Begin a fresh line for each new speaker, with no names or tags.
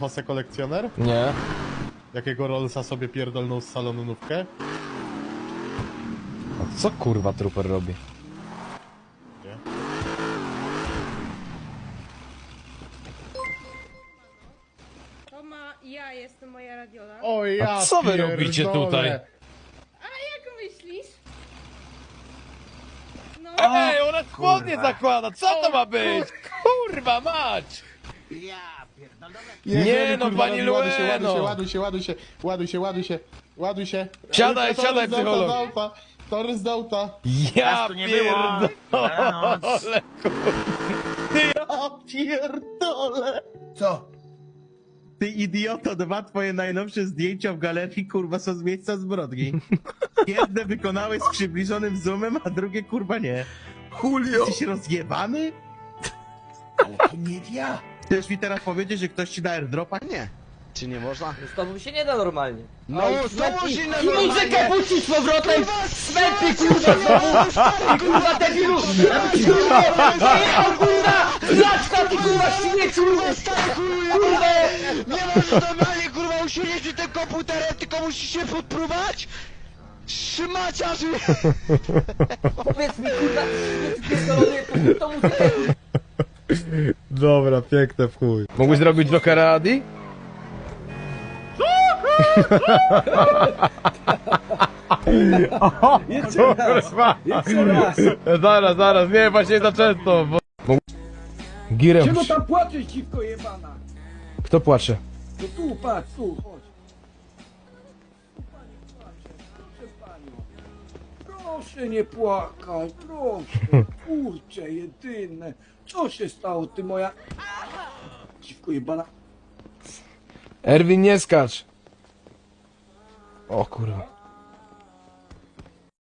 Jose kolekcjoner?
Nie.
Jakiego Rollsa sobie pierdolnął z salonówkę?
A co kurwa Trooper robi?
Nie.
Ja jestem moja radiola.
O ja
A co wy
pierdolę.
robicie tutaj?
A jak myślisz? No,
Ej, ona spodnie zakłada, co to ma być? Kurwa mać! Nie, no,
kurwa,
pani
ładuj się,
Lueno.
ładuj się, ładuj się, ładuj się, ładuj się, ładuj się.
Siadaj,
Torres
siadaj,
z auta,
psycholog.
z auta. Torres z auta.
Ja
tu nie było.
pierdolę.
Ja pierdolę.
Co?
Ty idioto, dwa twoje najnowsze zdjęcia w galerii, kurwa, są z miejsca zbrodni. Jedne wykonałeś z przybliżonym zoomem, a drugie, kurwa, nie.
Julio!
Jesteś rozjebany?
Ale to nie ja!
Chcesz mi teraz powiedzieć, że ktoś ci da airdropa?
Nie. Czy nie można?
Z tobą się nie da normalnie.
No, znowu się na
Muzykę puścić z powrotem! Smęty, kurwa, znowu! Ty, kurwa, debilu! Zajechał, kurwa! Zaczka, ty, kurwa, śmieciu! Kurwa!
Nie możesz normalnie, kurwa, usiedzieć przy tym komputerem, tylko musisz się podpróbować? Trzymaciarzy!
Powiedz mi, kurwa, śmieci pierdolony, puść tą muzykę!
Dobra, piękne w chuj. Mógłbyś zrobić Jokera Adi?
Jeszcze raz!
Zaraz, nie, właśnie za często, bo... Girem.
Czego tam płaczesz, dziwko jebana?
Kto płacze?
No tu, patrz, tu, chodź. Tu pani płacze, proszę panią. Proszę nie płakać, proszę. Kurcze, jedyne. Co się stało, ty moja... Dziwko jebana.
Erwin, nie skacz. O kurwa.